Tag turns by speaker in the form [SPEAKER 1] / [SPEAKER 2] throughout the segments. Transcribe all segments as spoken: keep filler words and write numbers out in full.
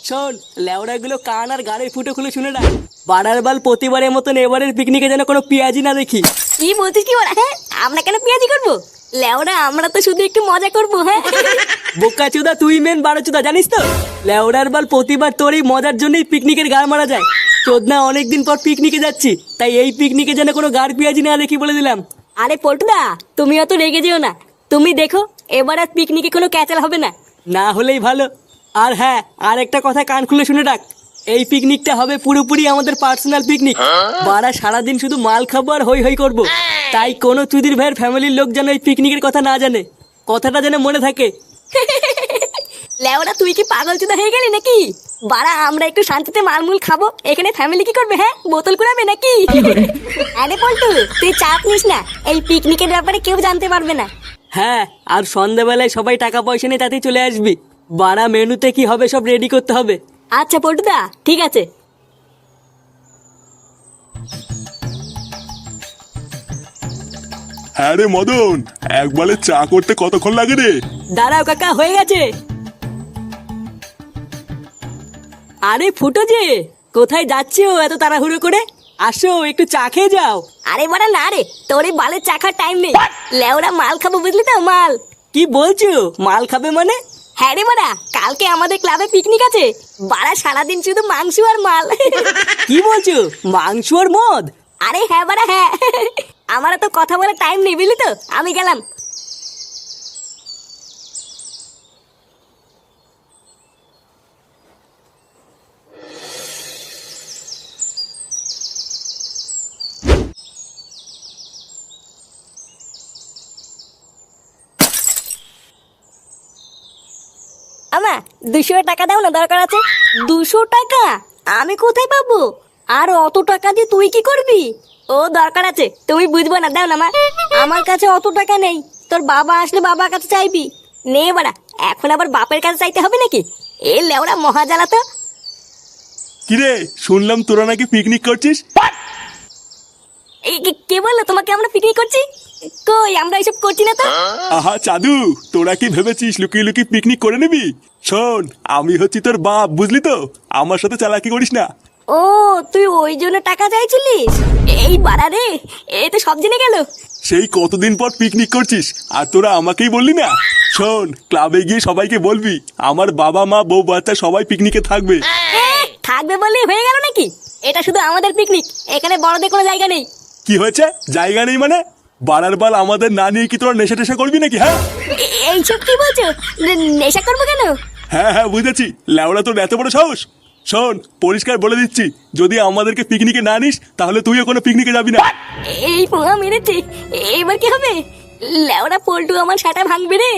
[SPEAKER 1] শোন, লেওড়াগুলো কান আর গাড়ির ফুটো খুলে শুনে না, বাড়ার বাল প্রতিবারের মতন এবারের পিকনিকে যেন কোনো পেঁয়াজি না দেখি।
[SPEAKER 2] কি বলছিস কি ওরা? হ্যাঁ, আমরা কেন পেঁয়াজি করবো? লেওরা আমরা তো শুধু একটু মজা করবো। হ্যাঁ
[SPEAKER 1] বোকা চুদা, তুই মেন বারো চুদা, জানিস তো লেওড়ার বাল প্রতিবার তোর এই মজার জন্যই পিকনিকের গাড় মারা যায়। চোদনা অনেকদিন পর পিকনিকে যাচ্ছি, তাই এই পিকনিকে যেন কোনো গাড় পেঁয়াজি না দেখি বলে দিলাম।
[SPEAKER 2] আরে পল্টুদা, তুমি অত রেগে যেও না। তুমি দেখো এবার আর পিকনিকে কোনো ক্যাচাল হবে না।
[SPEAKER 1] না হলেই ভালো। আর হ্যাঁ, আর একটা কথা কান খুলে শুনে রাখ, এই পিকনিকটা হবে পুরোপুরি আমাদের পার্সোনাল পিকনিক। বারা সারাদিন শুধু মাল খাবো আর হই হই করবো। তাই কোনো চুদির ভাইয়ের ফ্যামিলির লোক যেন এই পিকনিকের কথা না জানে, কথাটা যেন মনে থাকে।
[SPEAKER 2] লেওরা তুই কি পাগল চুদা হয়ে গেলি নাকি? বাড়া আমরা একটু শান্তিতে মালমুল খাবো, এখানে ফ্যামিলি কি করবে? হ্যাঁ, বোতল কুড়াবে নাকি? আরে পল্টু, তুই চাপ নিস না, এই পিকনিকের ব্যাপারে কেউ জানতে পারবে না।
[SPEAKER 1] হ্যাঁ, আর সন্ধ্যাবেলায় সবাই টাকা পয়সা নিয়ে তাতেই চলে আসবি। বারা মেনুতে কি হবে সব রেডি করতে হবে।
[SPEAKER 2] আচ্ছা পল্টুদা, ঠিক আছে।
[SPEAKER 3] হ্যাঁ রে মদন, একবারে চা করতে কতক্ষণ লাগে রে?
[SPEAKER 1] দাঁড়াও কাকা, হয়ে গেছে। আরে ফুটো যে, কোথায় যাচ্ছো এত তাড়াহুড়ো করে? আসো একটু চা খেয়ে যাও।
[SPEAKER 2] আরে বাড়া না রে, তোর এই বালের চাখার টাইম নেই। লেওরা মাল খাবো, বুঝলি তো? মাল।
[SPEAKER 1] কি বলছো? মাল খাবে মানে?
[SPEAKER 2] হ্যাঁ রে বাড়া, কালকে আমাদের ক্লাবে পিকনিক আছে। বাড়া সারাদিন শুধু মাংস আর মাল।
[SPEAKER 1] কি বলছো? মাংস আর মদ?
[SPEAKER 2] আরে হ্যাঁ বাড়া হ্যাঁ, আমার তো কথা বলার টাইম নেই, বুঝলি তো? আমি গেলাম। আমা, দুশো টাকা দাও না, দরকার আছে। দুশো টাকা আমি কোথায় পাবো? আর অত টাকা দিয়ে তুই কি করবি? ও দরকার আছে, তুমি বুঝবো না, দাও না মা। আমার কাছে অত টাকা নেই, তোর বাবা আসলে বাবার কাছে চাইবি। নে বাড়া, এখন আবার বাপের কাছে চাইতে হবে নাকি? এ লেওড়া মহাজালা তো।
[SPEAKER 3] কিরে, শুনলাম তোরা নাকি পিকনিক করছিস?
[SPEAKER 2] এই কে- কে বললো তোমাকে আমরা পিকনিক করছি? কই, আমরা এসব করছি না তো।
[SPEAKER 3] আহা চাদু, তোরা কি ভেবেছিস লুকিয়ে লুকিয়ে পিকনিক করে নিবি? শোন, আমি হচ্ছি তোর বাপ, বুঝলি তো? আমার সাথে চালাকি করিস না।
[SPEAKER 2] ও, তুই ওই জন্য টাকা চাইছিলিস? এই বাড়া রে, এ তো সব জেনে গেল।
[SPEAKER 3] সেই কতদিন পর পিকনিক করছিস আর তোরা আমাকেই বললি না? শোন, ক্লাবে গিয়ে সবাইকে বলবি আমার বাবা মা বউ বাচ্চা সবাই পিকনিকে থাকবে।
[SPEAKER 2] এ, থাকবে বললেই হয়ে গেল নাকি? এটা শুধু আমাদের পিকনিক, এখানে বড়দের কোনো জায়গা নেই।
[SPEAKER 3] কি হয়েছে? জায়গা নেই মানে? বাড়ার বাল আমাদের না নিয়ে কি তোরা নেশা টেশা করবি নাকি? হ্যাঁ
[SPEAKER 2] এ- এইসব কি বলছো? নে- নেশা করবো কেন?
[SPEAKER 3] হ্যাঁ হ্যাঁ বুঝেছি, ল্যাওড়া তোর এত বড় সাহস। শোন, পরিষ্কার বলে দিচ্ছি, যদি আমাদেরকে পিকনিকে না নিস তাহলে তুইও কোনো পিকনিকে যাবি না।
[SPEAKER 2] এই পোহা মেরেছে, এবার কি হবে? লেওরা পল্টু আমার সাটা ভাঙবে রে।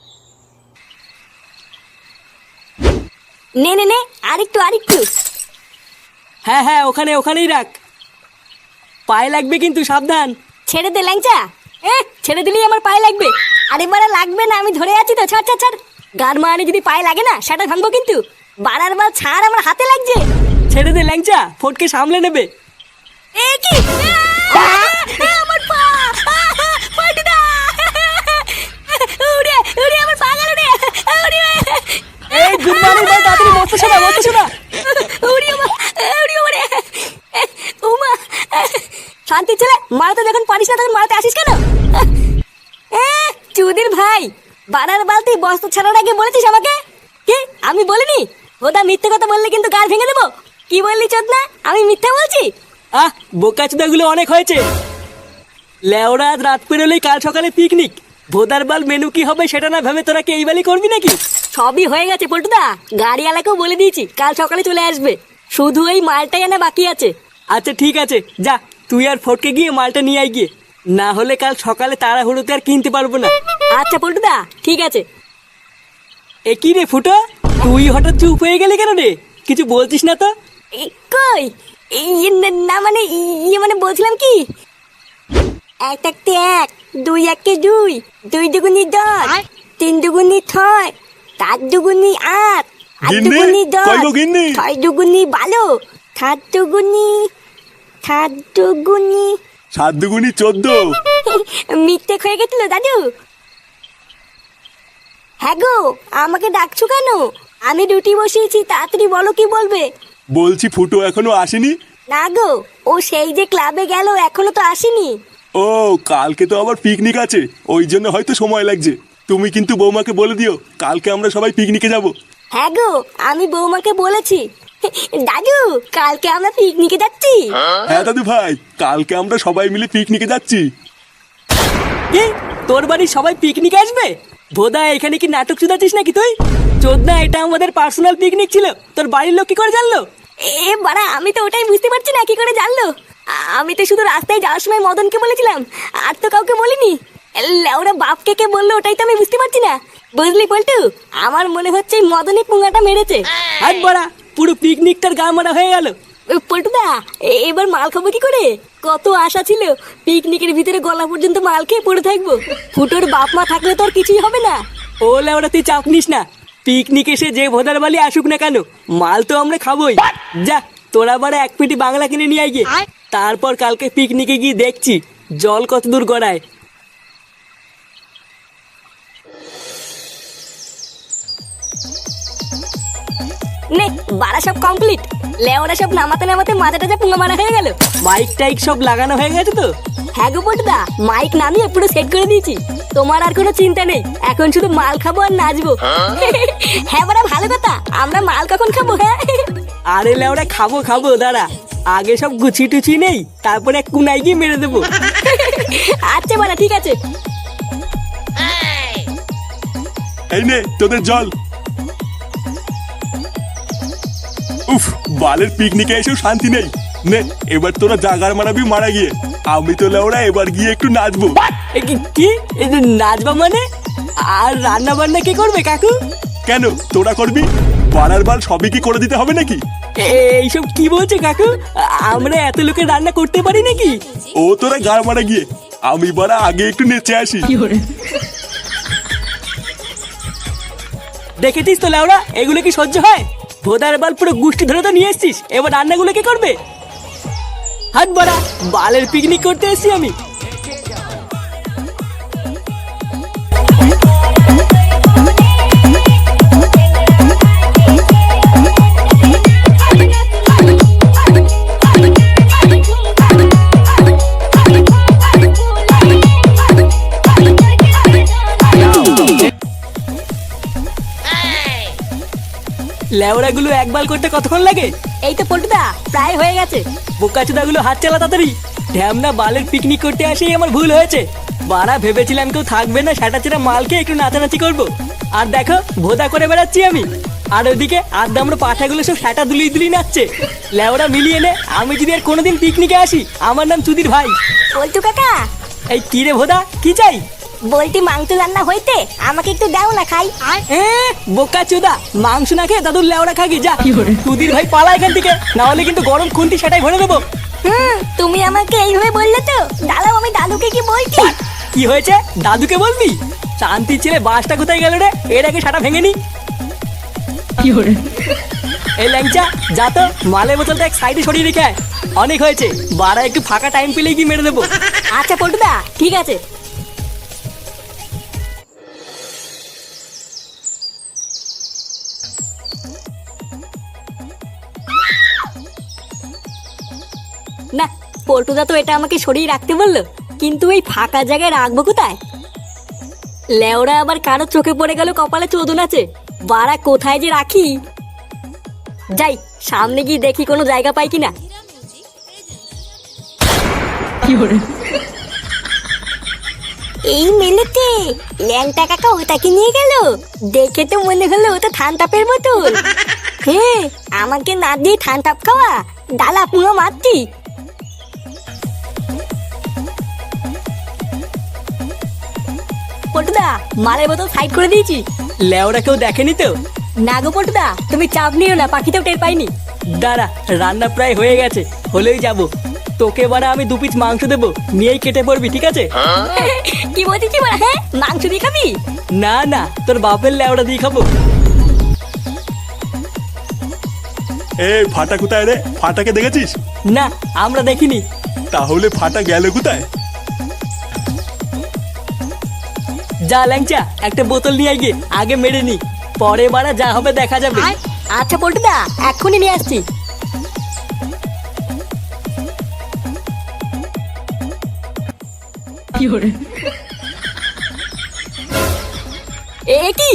[SPEAKER 2] নে নে নে, আরেকটু আরেকটু।
[SPEAKER 1] হ্যাঁ হ্যাঁ, ওখানে ওখানেই রাখ। পায়ে লাগবে কিন্তু, সাবধান।
[SPEAKER 2] ছেড়ে দে ল্যাংচা। এ, ছেড়ে দিলেই আমার পায়ে লাগবে। আরে বাড়া লাগবে না, আমি ধরে আছি তো। ছাড় ছাড় ছাড়। গান মানে যদি পায়ে লাগে না, সেটা ভাঙবো কিন্তু। বাড়ার বার ছাড়, আমার হাতে লাগছে।
[SPEAKER 1] ছেড়ে দে ল্যাংচা, ফটকে সামলে নেবে।
[SPEAKER 2] এ কি? আ, আ, আমার পা! আ, পল্টুদা! উড়ে, উড়ে আমার পা গেল রে! উড়ে!
[SPEAKER 1] এই গুড মর্নিং ভাই, তাড়াতাড়ি বসতে শোনা, বসতে শোনা।
[SPEAKER 2] উড়ি ওমা, উড়ি ওমা রে! ওমা! শান্তি ছেলে, মারাতে যখন পারিস না তখন মারাতে আসিস কেন? এ, চুদির ভাই, বাড়ার বালতি বস্তা ছাড়ার আগে বলেছিস আমাকে? কি আমি বলিনি? ওটা মিথ্যে কথা বললে কিন্তু গাল ভেঙে দেবো। কি বললি চোদনা? আমি মিথ্যা বলছি?
[SPEAKER 1] আহ, বোকাচুদাগুলো অনেক হয়েছে। লেওরা আজ রাত পেরোলেই কাল সকালে পিকনিক। ভোদার বাল মেনু কি হবে সেটা না ভেবে তোরা কি এই বালি করবি নাকি?
[SPEAKER 2] সবই হয়ে গেছে পল্টুদা, গাড়িওয়ালাকেও বলে দিয়েছি কাল সকালে চলে আসবে। শুধু এই মালটাই আনা বাকি আছে।
[SPEAKER 1] আচ্ছা ঠিক আছে, যা তুই আর ফটকে গিয়ে মালটা নিয়ে আয় গিয়ে, না হলে কাল সকালে তাড়াহুড়োতে আর কিনতে পারবো না।
[SPEAKER 2] আচ্ছা পল্টুদা, ঠিক আছে।
[SPEAKER 1] এ কি রে ফুটো, তুই হঠাৎ চুপ হয়ে গেলি কেন রে? কিছু বলছিস না তো?
[SPEAKER 2] এই, কই? ইয়ে না- না মানে, ইয়ে মানে বলছিলাম কি, এক থাকতে এক, দুই একে দুই, দুই দুগুনি দশ, তিন দুগুনি ছয়, চার দুগুনি আট, আট
[SPEAKER 3] গিন্নি?
[SPEAKER 2] দুগুনি দশ,
[SPEAKER 3] কই গো গিন্নি?
[SPEAKER 2] ছয় দুগুনি বারো, সাত দুগুনি, সাত দুগুনি।
[SPEAKER 3] সাত দুগুনি চোদ্দ।
[SPEAKER 2] মিথ্যে হয়ে গেছিল দাদু। হ্যাঁ গো, আমাকে ডাকছো কেন? আমি ডিউটি বসিয়েছি, তাড়াতাড়ি বলো কি বলবে।
[SPEAKER 3] বলছি ফুটো এখনো আসেনি?
[SPEAKER 2] না গো, ও সেই যে ক্লাবে গেল, এখনো তো আসেনি।
[SPEAKER 3] ও কালকে তো আবার পিকনিক আছে, ওই জন্য হয়তো সময় লাগছে। তুমি কিন্তু বৌমাকে বলে দিও কালকে আমরা সবাই পিকনিকে যাব।
[SPEAKER 2] হ্যাঁ গো, আমি বৌমাকে বলেছি। দাদু, কালকে আমরা পিকনিকে যাচ্ছি।
[SPEAKER 3] হ্যাঁ দাদু ভাই, কালকে আমরা সবাই মিলে পিকনিকে যাচ্ছি।
[SPEAKER 1] কি তোর বাড়ির সবাই পিকনিক আসবে? ভোদা এখানে কি নাটক চুদাচ্ছিস নাকি তুই? চোদনা, এটা আমাদের পার্সোনাল পিকনিক ছিল, তোর বাড়ির লোক কি করে জানলো?
[SPEAKER 2] এ বাড়া, আমি তো ওটাই বুঝতে পারছি না কি করে জানলো। আ- আমি তো শুধু রাস্তায় যাওয়ার সময় মদনকে বলেছিলাম, আর তো কাউকে বলিনি। ওরা বাপকে কে বললো ওটাই তো আমি বুঝতে পারছি না। বুঝলি পল্টু, আমার মনে হচ্ছে এই মদনই পুঙ্গাটা মেরেছে।
[SPEAKER 1] আর বড়া, পুরো পিকনিকটার গা মারা হয়ে গেল।
[SPEAKER 2] পল্টুদা, এ- এবার মাল খাবো কি করে? কত আশা ছিল পিকনিকের ভিতরে গলা পর্যন্ত মাল খেয়ে পড়ে থাকবো। ফুটোর বাপ মা থাকলে তো আর কিছুই হবে না।
[SPEAKER 1] ও লেওড়া, তুই চাপ নিস না। পিকনিক এসে যে ভোদার বালি আসুক না কেন, মাল তো আমরা খাবোই। যা, তোরা বারে এক পেটি বাংলা কিনে নিয়ে আয় গিয়ে। তারপর কালকে পিকনিকে গিয়ে দেখছি জল কত দূর গড়ায়।
[SPEAKER 2] নে বাড়া, সব কমপ্লিট। লেওরা সব নামাতে নামাতে মাথাটা যা পুঙ্গা মারা হয়ে গেল।
[SPEAKER 1] মাইক টাইক সব লাগানো হয়ে গেছে তো?
[SPEAKER 2] হ্যাঁ গো পল্টুদা, মাইক নামিয়ে পুরো সেট করে দিয়েছি। তোমার আর কোনো চিন্তা নেই, এখন শুধু মাল খাবো আর নাচবো। হ্যাঁ বাড়া, ভালো কথা। আমরা মাল কখন খাবো? হ্যাঁ
[SPEAKER 1] আরে লেওড়া, খাবো খাবো, দাঁড়া আগে সব গুছি টুচি নেই, তারপরে এক কুনাই গিয়ে মেরে দেবো।
[SPEAKER 2] আচ্ছা বাড়া, ঠিক আছে।
[SPEAKER 3] এই নে তোদের জল। উফ, বালের পিকনিকে এসেও শান্তি নেই। নে এবার তোরা জাগার মারাবি মারা গিয়ে। আমি তো লেওড়া এবার গিয়ে একটু নাচবো।
[SPEAKER 1] এ কি- কি এ যে নাচবা মানে? আর রান্না বান্না কে করবে কাকু?
[SPEAKER 3] কেন তোরা করবি? বাড়ার বাল সবই কি করে দিতে হবে নাকি?
[SPEAKER 1] এ- এইসব কি বলছে কাকু? আ- আমরা এত লোকের রান্না করতে পারি নাকি?
[SPEAKER 3] ও তোরা গা মারা গিয়ে, আমি বাড়া আগে একটু নেচে আসি।
[SPEAKER 1] দেখেছিস তো লেওড়া, এগুলো কি সহ্য হয়? ভোদার বাল পুরো গুষ্টি ধরে তো নিয়ে এসছিস, এবার রান্নাগুলো কে করবে? হাত বাড়া, বালের পিকনিক করতে এসছি আমি। লেওড়াগুলো একবার করতে কতক্ষণ লাগে?
[SPEAKER 2] এই তো পল্টুদা, প্রায় হয়ে গেছে।
[SPEAKER 1] বোকাচোদাগুলো হাত চালা তাড়াতাড়ি। ঢ্যামনা বালের পিকনিক করতে আসেই আমার ভুল হয়েছে। বাড়া, ভেবেছিলাম কেউ থাকবে না, সেটা চেরা মাল খেয়ে একটু নাচানাচি করবো। আর দেখো, ভোদা করে বেড়াচ্ছি আমি। আর ওইদিকে আদ্দামরা পাঠাগুলো সব সেটা দুলিয়ে দুলিয়ে নাচছে। লেওড়া মিলিয়ে নে, আমি যদি আর কোনোদিন পিকনিকে আসি, আমার নাম চুদির ভাই।
[SPEAKER 2] পল্টু কাকা,
[SPEAKER 1] এই কি রে ভোদা, কি চাই?
[SPEAKER 2] বলটি মাংস রান্না হইতে, আমাকে একটু দাও না খাই।
[SPEAKER 1] এ বোকা চোদা, মাংস না খেয়ে দাদুর লেওড়া খাগি যা। চুদির ভাই পালা এখান থেকে, না হলে কিন্তু গরম খুন্তি সেটাই ভরে দেবো।
[SPEAKER 2] হুম, তুমি আমাকে এইভাবে বললে তো। দাঁড়াও, আমি দাদুকে কি বলছি।
[SPEAKER 1] কি হয়েছে? দাদুকে বলবি? শান্তি ছেলে, বাসটা কোথায় গেল রে? এর আগে সাটা ভেঙে নি। এই ল্যাংচা, যা তো মালের বোতলটা এক সাইডে সরিয়ে রেখে আয়। অনেক হয়েছে, বাড়া একটু ফাঁকা টাইম পেলেই কি মেরে দেবো।
[SPEAKER 2] আচ্ছা পল্টুদা, ঠিক আছে। না, পল্টুদা তো এটা আমাকে সরিয়ে রাখতে বললো, কিন্তু এই ফাঁকা জায়গায় রাখবো কোথায়? লেওরা আবার কারো চোখে পড়ে গেল কপালে চোদন আছে। বাড়া কোথায় যে রাখি? যাই, সামনে গিয়ে দেখি কোনো জায়গা পাই কিনা। এই মেলেতে ল্যাংটা কাকা ওটাকে নিয়ে গেল। দেখে তো মনে হলো ওটা ঠান্ডাপের বোতল। হ্যাঁ, আমাকে না দিয়ে ঠান্ডাপ খাওয়া, ডালা পুরো মারতি। পটুদা, মালের বোতল সাইড করে দিয়েছি।
[SPEAKER 1] লেওরা কেউ দেখেনি তো?
[SPEAKER 2] না গো পটুদা, তুমি চাপ নিও না, পাখিতেও টের পাইনি।
[SPEAKER 1] দাঁড়া, রান্না প্রায় হয়ে গেছে, হলেই যাবো। তোকে বারা আমি দু পিস মাংস দেবো, নিয়েই কেটে পড়বি, ঠিক আছে?
[SPEAKER 2] কি বলছিস বলা? হ্যাঁ, মাংস দিয়ে খাবি?
[SPEAKER 1] না না, তোর বাপের লেওড়া দিয়ে খাবো।
[SPEAKER 3] এ ফাটা কোথায় রে? ফাটাকে দেখেছিস?
[SPEAKER 1] না, আমরা দেখিনি।
[SPEAKER 3] তাহলে ফাটা গেল কোথায়?
[SPEAKER 1] যা ল্যাংচা, একটা বোতল নিয়ে গিয়ে আগে মেরে নি, পরে বারা যা হবে দেখা যাবে।
[SPEAKER 2] আচ্ছা পল্টুদা, এক্ষুনি নিয়ে আসছি। এ কি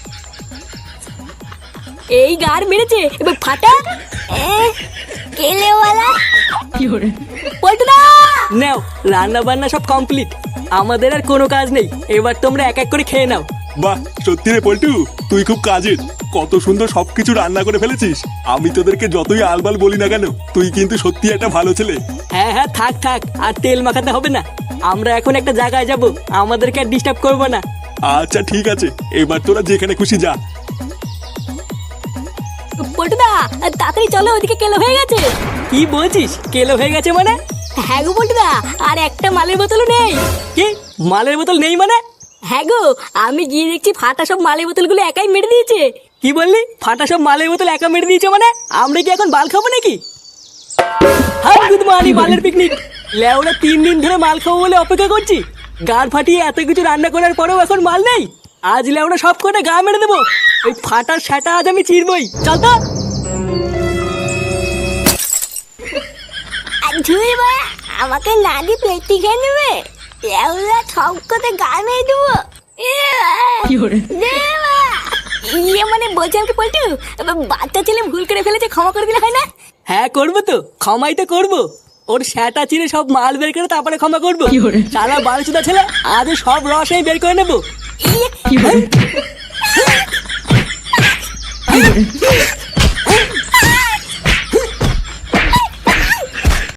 [SPEAKER 2] এই গার মেরেছে, এবার ফাটা। এ, কেলেওয়ালা পল্টুদা।
[SPEAKER 1] নাও, রান্না বান্না সব কমপ্লিট, আমাদের আর কোনো কাজ নেই, এবার তোমরা এক এক করে খেয়ে নাও।
[SPEAKER 3] বাহ, সত্যি রে পল্টু, তুই খুব কাজের। কত সুন্দর সবকিছু রান্না করে ফেলেছিস। আমি তোদেরকে যতই আলবাল বলি না কেন, তুই কিন্তু সত্যি একটা ভালো ছেলে।
[SPEAKER 1] হ্যাঁ হ্যাঁ, থাক থাক, আর তেল মাখাতে হবে না। আমরা এখন একটা জায়গায় যাব, আমাদেরকে আর ডিস্টার্ব করবো না।
[SPEAKER 3] আচ্ছা ঠিক আছে, এবার তোরা যেখানে খুশি যা।
[SPEAKER 2] পল্টুদা, তাড়াতাড়ি চলো, ওদিকে কেলো হয়ে গেছে।
[SPEAKER 1] কি বলছিস, কেলো হয়ে গেছে মানে?
[SPEAKER 2] হ্যাঁ গো পল্টুদা, আর একটা মালের বোতলও নেই।
[SPEAKER 1] কি মালের বোতল নেই মানে?
[SPEAKER 2] হ্যাঁ গো, আমি গিয়ে দেখছি ফাটা সব মালের বোতলগুলো একাই মেরে দিয়েছে।
[SPEAKER 1] কি বললি, ফাটা সব মালের বোতল একা মেরে দিয়েছে মানে? আমরা কি এখন বাল খাবো নাকি? হাই গুড মর্নিং, মালের পিকনিক। লেওরা তিন দিন ধরে মাল খাবো বলে অপেক্ষা করছি, গাড় ফাটিয়ে এত কিছু রান্না করার পরেও এখন মাল নেই। আজ লেওরা সব কটা গা মেরে দেবো। ওই ফাটার সেটা আজ আমি চিরবই। চল তো।
[SPEAKER 2] ধুই বা, আমাকে না দিয়ে পেটি খেয়ে নেবে। লেওরা সব কথা গা মেরে দেবো। ইয়ে মানে বলছি আমাকে পল্টু, বাচ্চা ছেলে ভুল করে ফেলেছে, ক্ষমা করে দিলে হয় না?
[SPEAKER 1] হ্যাঁ করবো তো, ক্ষমাই তো করবো। ওর সেটা চিরে সব মাল বের করে তারপরে ক্ষমা করবো। সারা বালচুদা ছেলে, আজ সব রস আমি বের করে নেবো।
[SPEAKER 2] ইয়ে